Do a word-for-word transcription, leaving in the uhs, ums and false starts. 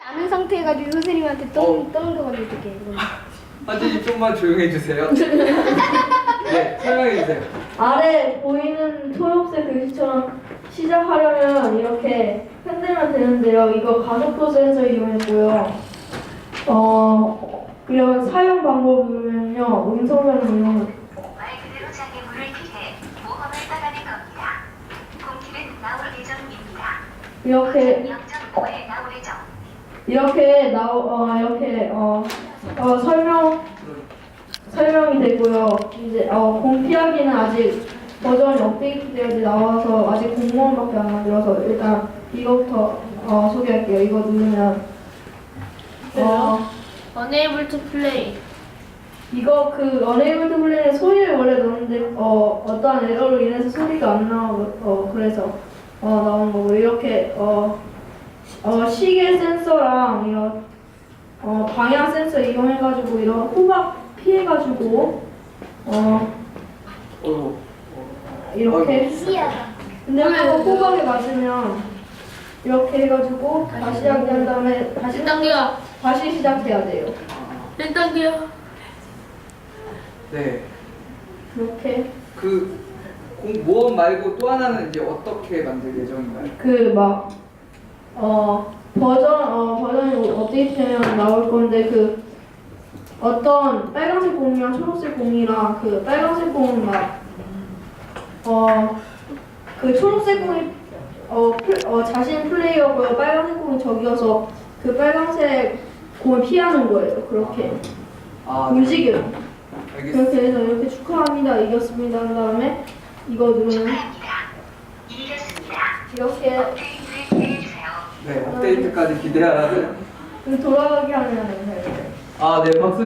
아는 상태해가지고 선생님한테 떠 떠넘겨가지고 어떡해. 한진이 좀만 조용해 주세요. 네, 설명해 주세요. 아래 보이는 초록색 글씨처럼 시작하려면 이렇게 흔들면 되는데요. 이거 가속도 센서 이용했고요. 어, 이런 사용 방법은요. 음성 변경 말 그대로 장애물을 피해 모험을 떠나는 겁니다. 공길은 나올 예정입니다. 이렇게 영 점 오에 나올 예정. 이렇게 나오 어 이렇게 어, 어 설명 설명이 되고요. 이제 어 공피하기는 아직 버전이 업데이트되어야 나와서 아직 공무원밖에 안 만들어서 일단 이거부터 어 소개할게요. 이거 누르면 어 Unable to play. 이거 그 Unable to Play는 소리를 원래 넣는데 어 어떠한 에러로 인해서 소리가 안 나오고 어 그래서 어 나온 거고 이렇게 어 어 시계 센서랑 이런 어 방향 센서 이용해가지고 이런 호박 피해가지고 어 어, 이렇게 시야. 근데 또 호박에 맞으면 이렇게 해가지고 다시 하게 한 다음에 다시 일 단계야. 다시 시작해야 돼요. 일 단계야. 네. 이렇게 그 공모험 말고 또 하나는 이제 어떻게 만들 예정인가요? 그 막 어 버전 어 버전이 업데이트되면 나올 건데 그 어떤 빨간색 공이랑 초록색 공이랑 그 빨간색 공은 막어 그 초록색 공이 어, 플, 어 자신 플레이어고요. 빨간색 공이 적이어서 그 빨간색 공을 피하는 거예요. 그렇게 아, 움직여요. 알겠습니다. 그렇게 해서 이렇게 축하합니다. 이겼습니다. 한 다음에 이거 누르면 축하합니다. 이겼습니다. 이렇게 업데이트를 기대해주세요. 네, 업데이트까지 기대하라는. 돌아가게 하는 거예요. 아, 네, 박수.